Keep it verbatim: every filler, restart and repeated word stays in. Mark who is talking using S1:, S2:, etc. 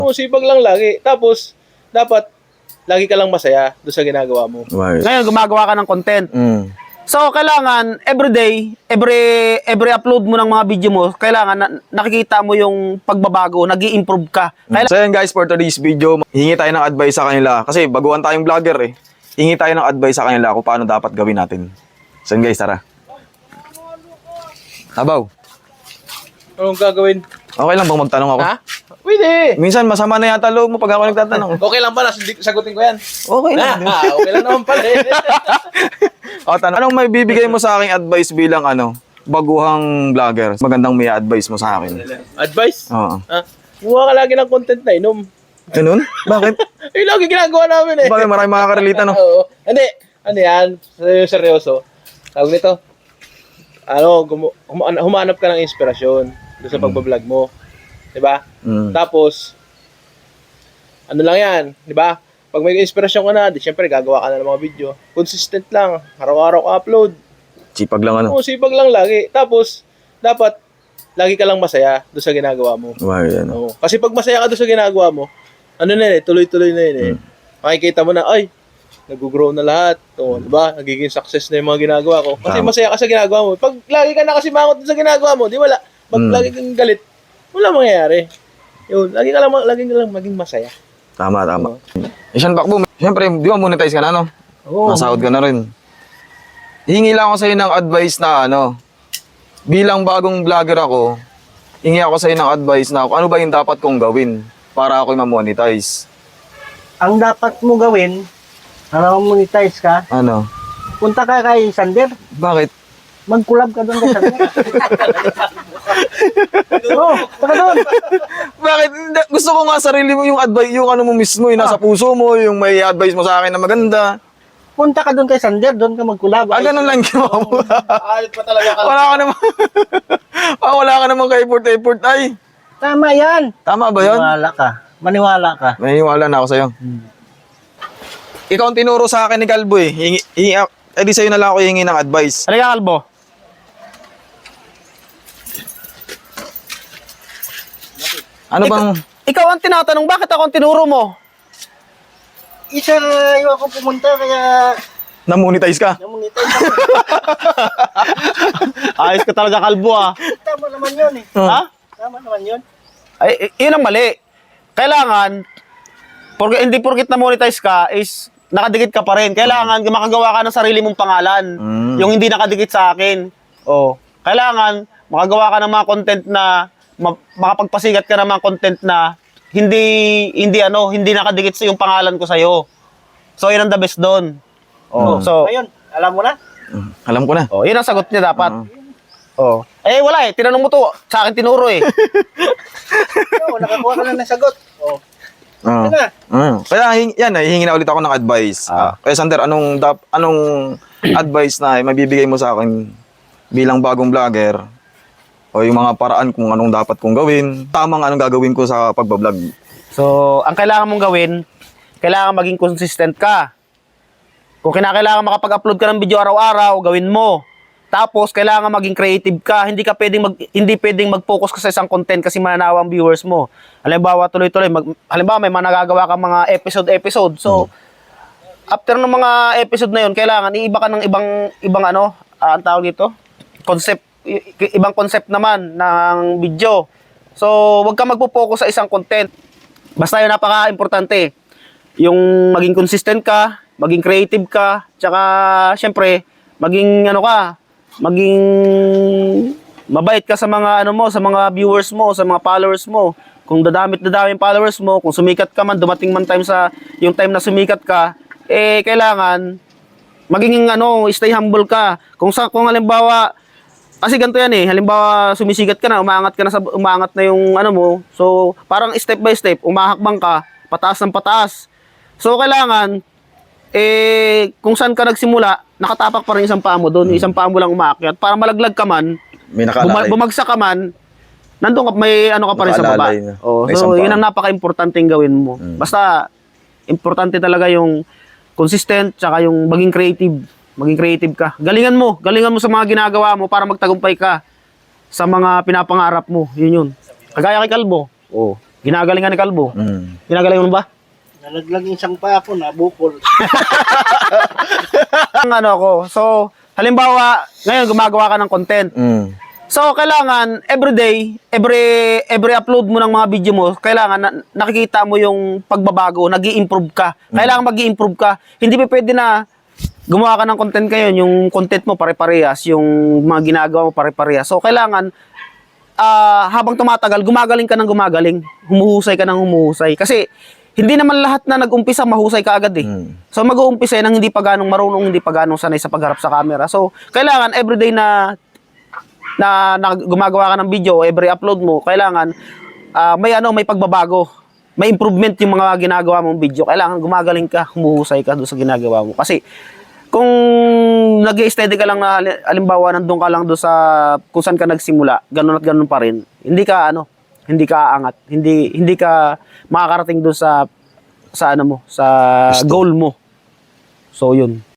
S1: Oo, sipag lang lagi. Tapos, dapat, lagi ka lang masaya doon sa ginagawa mo.
S2: Right.
S3: Ngayon, gumagawa ka ng content.
S2: Mm.
S3: So, kailangan, everyday, every every upload mo ng mga video mo, kailangan na, nakikita mo yung pagbabago, nag improve ka. Kailangan,
S2: So yan guys, for today's video, hingi tayo ng advice sa kanila. Kasi baguhan tayong vlogger eh. Hingi tayo ng advice sa kanila kung paano dapat gawin natin. So yan guys, tara. Abaw,
S1: Anong gagawin?
S2: okay lang bang magtanong ako?
S1: Ha? Pwede.
S2: Minsan masama na yata loob mo pag ako nagtatanong.
S1: Okay lang pala, sagutin ko yan.
S2: Okay lang.
S1: Ah, okay lang naman pala eh.
S2: O, tanong, anong may bibigay mo sa aking advice bilang ano, baguhang vlogger? Magandang may advice mo sa akin.
S1: Advice?
S2: Oo.
S1: Ha? Gumawa ka lagi ng content na inom.
S2: Ganun? Bakit?
S1: Ay, lagi ginagawa namin eh.
S2: Bakit maraming makakarelate ano?
S1: Oo. Hindi. Ano yan? Seryoso, seryoso. Tawag nito. Ano, gumu- huma- humanap ka ng inspirasyon doon sa pagbablog mo. Diba?
S2: Mm.
S1: Tapos, ano lang yan, di ba? Pag may inspirasyon ka na, di syempre gagawa ka na ng mga video. Consistent lang, araw-araw ka upload.
S2: Sipag lang ano?
S1: Oo, sipag lang lagi. Tapos, dapat, lagi ka lang masaya doon sa ginagawa mo.
S2: Wow, yan.
S1: Oo. Kasi pag masaya ka doon sa ginagawa mo, ano na yun eh, tuloy-tuloy na yun eh. Makikita mo na, ay, nag-grow na lahat. Oo, di ba? Nagiging success na yung mga ginagawa ko. Kasi
S2: Tama.
S1: masaya ka sa ginagawa mo. Pag lagi ka nakasimangot doon sa ginagawa mo, di wala. Pag
S2: Mm.
S1: lagi kang galit, wala mangyayari. Yun, lagi ka lang, lagi ka lang maging masaya.
S2: Tama, tama. Eh, Sean Bakbo, siyempre, di ba monetize ka na, no?
S1: Oo.
S2: Nasahod ka na rin. Hingi lang ako sa'yo ng advice na ano, bilang bagong vlogger ako, hingi ako sa'yo ng advice na ano ba yung dapat kong gawin para ako ma-monetize.
S4: Ang dapat mo gawin, para monetize ka,
S2: Ano?
S4: punta ka kay Sander,
S2: Bakit?
S4: mag-collab ka doon kay Sander. Oo, taka doon.
S2: Bakit? Hindi, gusto ko nga sarili mo yung advice, yung ano mo mismo, yung nasa puso mo, yung may advice mo sa akin na maganda.
S4: Punta ka doon kay Sander, doon ka mag-collab.
S2: Ah, ganun lang ginawa mo.
S1: Alit pa talaga ka.
S2: Wala ka naman. Ah, wala ka naman ka-effort-effort. Ay,
S4: Tama yan.
S2: tama ba yun?
S4: Maniwala ka. Maniwala ka.
S2: Naniniwala na ako sa'yo. Ikaw ang tinuro sa akin ni Calbo eh. Hingi, hingi, eh di sa'yo na lang ako hingi ng advice.
S3: halika Kalbo.
S2: Ano bang...
S3: Ikaw ang tinatanong, bakit ako ang tinuro mo?
S4: Isa, yung ako pumunta, kaya
S2: Na-monetize ka?
S4: namonetize ako.
S3: Ayos ka talaga, Kalbo ah.
S4: Tama naman yun eh.
S3: Ha?
S4: Tama naman yun.
S3: Ay, i- yun ang mali. Kailangan, porque, hindi porkit na monetize ka, is nakadikit ka pa rin. Kailangan makagawa ka ng sarili mong pangalan.
S2: Mm.
S3: Yung hindi nakadikit sa akin. Oh. Kailangan, makagawa ka ng mga content na, ma- makapagpasigat ka ng mga content na hindi, hindi ano, hindi nakadikit sa yung pangalan ko sa'yo. So, yun ang the best doon. Oh. So,
S4: Ngayon, alam mo na?
S2: Alam ko na.
S3: oh, yun ang sagot niya dapat. Oh. Eh, wala eh. Tinanong mo to. Sa akin tinuro eh.
S4: Oo, nakakuha ka na ng sagot. Oo.
S2: Oo.
S4: Ano na?
S2: Mm. Kaya hing, yan, eh, hingi na ulit ako ng advice.
S3: Ah.
S2: Kaya Sander, anong, dap, anong advice na mabibigay mo sa akin bilang bagong vlogger? O yung mga paraan kung anong dapat kong gawin? Tamang anong gagawin ko sa pagbablog?
S3: So, ang kailangan mong gawin, kailangan maging consistent ka. Kung kinakailangan makapag-upload ka ng video araw-araw, gawin mo. Tapos, kailangan maging creative ka. Hindi ka pwedeng mag, hindi pwedeng mag-focus ka sa isang content kasi mananawa ang viewers mo. Halimbawa, tuloy-tuloy, mag, halimbawa, may mga nagagawa ka mga episode-episode. So, after ng mga episode na yun, kailangan iiba ka ng ibang, ibang ano, ah, ang tawag dito? Concept, i- i- ibang concept naman ng video. So, wag ka magpo-focus sa isang content. Basta yun, napaka-importante. Yung maging consistent ka, maging creative ka, tsaka, syempre, maging ano ka, maging mabait ka sa mga ano mo, sa mga viewers mo, sa mga followers mo. Kung dadamit dadami yung followers mo, kung sumikat ka man, dumating man time sa yung time na sumikat ka, eh kailangan maging ano, stay humble ka. Kung sa kung halimbawa kasi ganito yan eh, halimbawa sumisikat ka na, umaangat ka na sa umaangat na yung ano mo. So, parang step by step, umahakbang ka, pataas ng pataas. So, kailangan eh kung saan ka nagsimula, nakatapak pa rin isang paa mo doon,
S2: Hmm.
S3: isang paa mo lang umaakyat. Para malaglag ka man,
S2: May
S3: buma-
S2: nakalakay.
S3: bumagsak ka man, nandun ka, may ano ka pa rin sa baba.
S2: Nakaalalay na.
S3: Oh,
S2: May isang
S3: so, yun
S2: paa.
S3: ang napaka-importanting gawin mo.
S2: Hmm.
S3: Basta, importante talaga yung consistent, tsaka yung maging creative. Maging creative ka. Galingan mo. Galingan mo sa mga ginagawa mo para magtagumpay ka sa mga pinapangarap mo. Yun yun. Kagaya kay Kalbo. Oh. Ginagalingan ni Kalbo.
S2: Mm.
S3: Ginagalingan mo ba?
S4: Nalaglag isang pa ako, nabukol.
S3: Ang ano ko. So, halimbawa, ngayon gumagawa ka ng content.
S2: Mm.
S3: So, kailangan everyday, every every upload mo ng mga video mo, kailangan na, nakikita mo yung pagbabago, nag-i-improve ka. Kailangan mag-i-improve ka. Hindi pa pwede na gumawa ka ng content ngayon, yung content mo pare-parehas, yung mga ginagawa mo pare-parehas. So, kailangan ah, habang tumatagal, gumagaling ka ng gumagaling, humuhusay ka ng humuhusay. Kasi hindi naman lahat na nag-umpisa mahusay ka agad eh.
S2: Mm.
S3: So mag-uumpisa nang hindi pa ganong marunong, hindi pa ganong sanay sa pagharap sa camera. So kailangan everyday na na, na gumagawa ka ng video, every upload mo, kailangan ah, may ano, may pagbabago. May improvement yung mga ginagawa mong video. Kailangan gumagaling ka, humuhusay ka doon sa ginagawa mo. Kasi kung nag-i-steady ka lang na hali- halimbawa nandun ka lang doon sa kung saan ka nagsimula, ganun at ganun pa rin. Hindi ka ano, hindi ka aangat, hindi hindi ka makakarating doon sa sa ano mo, sa
S2: Gusto.
S3: goal mo. So yun.